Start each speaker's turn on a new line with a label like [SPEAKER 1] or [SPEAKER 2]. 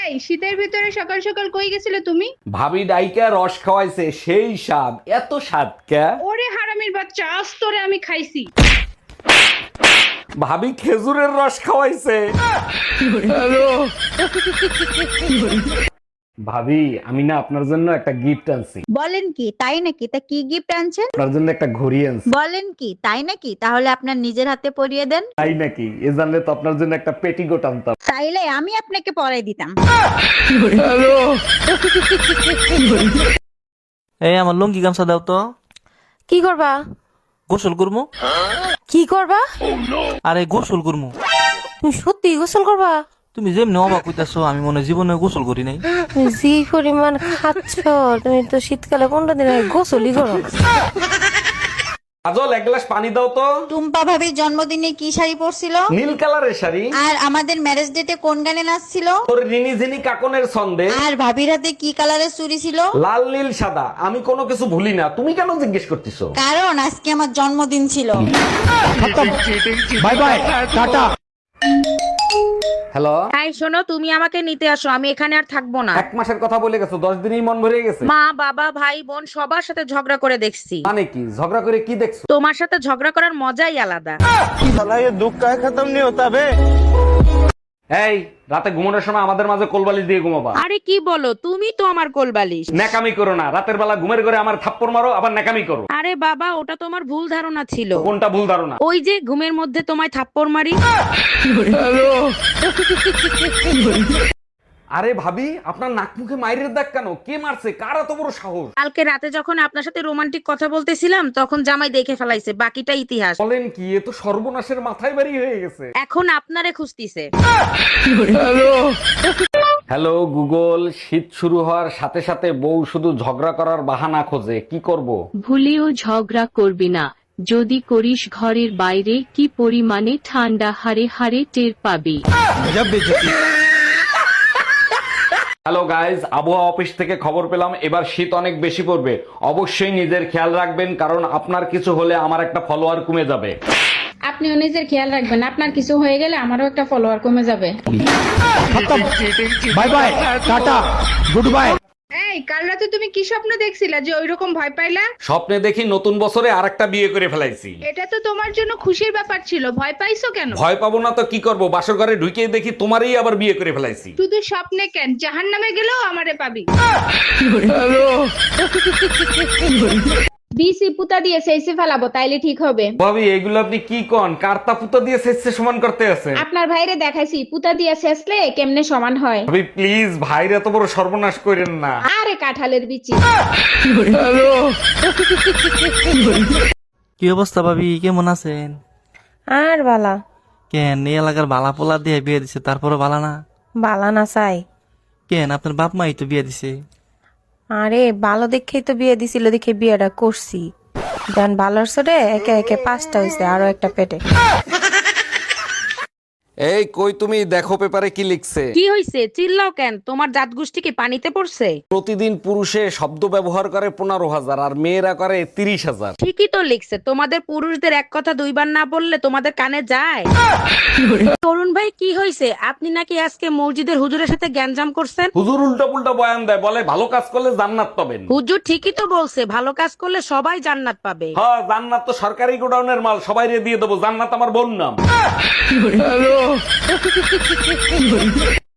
[SPEAKER 1] এই শীতের ভিতরে সকাল সকাল কই গেছিলে তুমি?
[SPEAKER 2] ভাবি ডাইকা রস খাওয়াইছে, সেই স্বাদ। এত স্বাদ কে?
[SPEAKER 1] ওরে হারামির বাচ্চা, আজ তোরে আমি খাইছি।
[SPEAKER 2] ভাবি খেজুরের রস খাওয়াইছে। ভাবি আমি না আপনার জন্য একটা গিফট আনছি।
[SPEAKER 3] বলেন কি তাই নাকি? তা কি গিফট আনছেন?
[SPEAKER 2] আপনার জন্য একটা ঘড়ি আনছি।
[SPEAKER 3] বলেন কি তাই নাকি? তাহলে আপনার নিজের হাতে পরিয়ে দেন।
[SPEAKER 2] তাই নাকি? এ জানলে তো আপনার জন্য একটা পেটিকোট আনতাম।
[SPEAKER 3] তাইলে আমি আপনাকে পরাই দিতাম।
[SPEAKER 4] এই আমার লুঙ্গি গামছা দাও তো।
[SPEAKER 5] কি করবা?
[SPEAKER 4] গোসল করমু।
[SPEAKER 5] কি করবা?
[SPEAKER 4] আরে গোসল করমু।
[SPEAKER 5] তুমি সত্যি গোসল করবা?
[SPEAKER 4] তুমি যেমনি অবাক হইতাছো, আমি মনে হয় জীবনে গোসল করি নাই।
[SPEAKER 5] তুমি যে পরিমাণ খাচ্ছ, তুমি তো শীতকালে 15 দিন আগে গোসলই করো।
[SPEAKER 2] কাজল এক গ্লাস পানি দাও তো।
[SPEAKER 3] টুম্পা ভাবির জন্মদিনে কি শাড়ি পরছিল?
[SPEAKER 2] নীল কালারের শাড়ি।
[SPEAKER 3] আর আমাদের ম্যারেজ ডেটে কোন গানে নাচছিল?
[SPEAKER 2] তোর রিনি ঝিনি কাকনের ছন্দে।
[SPEAKER 3] আর ভাবির হাতে কি কালারের চুড়ি ছিল?
[SPEAKER 2] লাল নীল সাদা, আমি কোনো কিছু ভুলি না। তুমি কেন জিজ্ঞেস করতেছো?
[SPEAKER 3] কারণ আজকে আমার জন্মদিন ছিল।
[SPEAKER 2] By bye, tata. হ্যালো,
[SPEAKER 6] তাই শোনো, তুমি আমাকে নিতে আসো, আমি এখানে আর থাকবো না।
[SPEAKER 2] 1 মাসের কথা বলে গেছো, 10 দিনেই মন ভরে গেছে।
[SPEAKER 6] মা বাবা ভাই বোন সবার সাথে ঝগড়া করে দেখছি।
[SPEAKER 2] মানে কি ঝগড়া করে কি দেখছো?
[SPEAKER 6] তোমার সাথে ঝগড়া করার মজাই আলাদা।
[SPEAKER 2] এই রাতে ঘুমানোর সময় আমাদের মাঝে কোলবালিশ দিয়ে ঘুমাবা।
[SPEAKER 6] আরে কি বলো, তুমি তো আমার কোলবালিশ।
[SPEAKER 2] ন্যাকামি করো না, রাতের বেলা ঘুমের ঘরে আমার থাপ্পড় মারো আবার ন্যাকামি করো।
[SPEAKER 6] আরে বাবা, ওটা তোমার ভুল ধারণা ছিল।
[SPEAKER 2] কোনটা ভুল ধারণা?
[SPEAKER 6] ওই যে ঘুমের মধ্যে তোমায় থাপ্পড় মারি।
[SPEAKER 2] আরে ভাবি আপনার নাক মুখে মাইরের দাগ কেন? কে মারছে? কার এত বড় সাহস?
[SPEAKER 6] কালকে রাতে যখন আপনার সাথে রোমান্টিক কথা বলতেছিলাম, তখন জামাই দেখে ফেলাইছে, বাকিটা ইতিহাস।
[SPEAKER 2] বলেন কি? এ তো সর্বনাশের মাথায় বাড়ি হয়ে গেছে।
[SPEAKER 6] এখন আপনারে খুঁজতিছে।
[SPEAKER 2] হ্যালো গুগল, শীত শুরু হওয়ার সাথে সাথে বউ শুধু ঝগড়া করার বাহানা খোঁজে, কি করব?
[SPEAKER 7] ভুলেও ঝগড়া করবি না, যদি করিস ঘরের বাইরে কি পরিমাণে ঠান্ডা হারে হারে টের পাবি।
[SPEAKER 2] হ্যালো গাইজ, আবহাওয়া অফিস থেকে খবর পেলাম এবার শীত অনেক বেশি পড়বে। অবশ্যই নিজের খেয়াল রাখবেন, কারণ আপনার কিছু হলে আমার একটা ফলোয়ার কমে যাবে।
[SPEAKER 1] আপনিও নিজের খেয়াল রাখবেন, আপনার কিছু হয়ে গেলে আমারও একটা ফলোয়ার কমে যাবে।
[SPEAKER 2] Bye bye, tata, good bye.
[SPEAKER 1] এই কাল রাতে তুমি কি স্বপ্ন দেখছিলা যে ওইরকম ভয় পাইলা?
[SPEAKER 2] স্বপ্নে দেখি নতুন বছরে আরেকটা বিয়ে করে ফেলাইছি।
[SPEAKER 1] এটা তো তোমার জন্য খুশির ব্যাপার ছিল, ভয় পাইছো কেন?
[SPEAKER 2] ভয় পাবো না তো কি করব? বাসর ঘরে ঢুকে দেখি তোমারই আবার বিয়ে করে ফেলাইছি।
[SPEAKER 1] শুধু স্বপ্নে কেন, জাহান্নামে গেলেও আমারে পাবি। বিসি পুতা দিয়ে সেইসে ফেলাবো, তাইলে ঠিক হবে।
[SPEAKER 2] ভাবি এগুলো আপনি কি কোন? কার্তা পুতো দিয়ে শেষে সমান করতে আছে?
[SPEAKER 1] আপনার ভাইরে দেখাইছি পুতা দিয়ে শেষলে কেমনে সমান হয়।
[SPEAKER 2] ভাবি প্লিজ, ভাইরা এত বড় সর্বনাশ করেন না।
[SPEAKER 1] আরে কাঁঠালের বিচি।
[SPEAKER 4] কি অবস্থা ভাবি, কেমন আছেন?
[SPEAKER 5] আর বালা
[SPEAKER 4] কেন এই এলাকার বালা পোলা দিয়ে বিয়ে দিছে, তারপরে বালা না?
[SPEAKER 5] বালা না চাই।
[SPEAKER 4] কেন আপনার বাপ মাই তো বিয়ে দিছে।
[SPEAKER 5] আরে ভালো দেখেই তো বিয়ে দিছিল, দেখে বিয়েটা করছি। দেন ভালোর সরে একে একে 5টা হয়েছে, আরো একটা পেটে।
[SPEAKER 2] এই কই তুমি, দেখো পেপারে কি লিখছে।
[SPEAKER 6] কি হইছে? চিল্লাও কেন? তোমার জাত গোষ্ঠী কি পানিতে পড়ছে?
[SPEAKER 2] প্রতিদিন পুরুষে শব্দ ব্যবহার করে 15,000 আর মেয়েরা করে 30,000।
[SPEAKER 6] ঠিকই তো লিখছে। তোমাদের পুরুষদের এক কথা দুইবার না বললে তোমাদের কানে যায়? তরুণ ভাই, কি হইছে? আপনি নাকি আজকে মসজিদের হুজুরের সাথে গ্যাঞ্জাম করছেন?
[SPEAKER 2] হুজুর উল্টা পুল্টা বয়ান দেয়, বলে ভালো কাজ করলে জান্নাত পাবেন।
[SPEAKER 6] হুজুর ঠিকই তো বলছে, ভালো কাজ করলে সবাই জান্নাত পাবে।
[SPEAKER 2] হ্যাঁ, জান্নাত তো সরকারি গোডাউনের মাল, সবাই দিয়ে দেবো। জান্নাত আমার বোন নাম।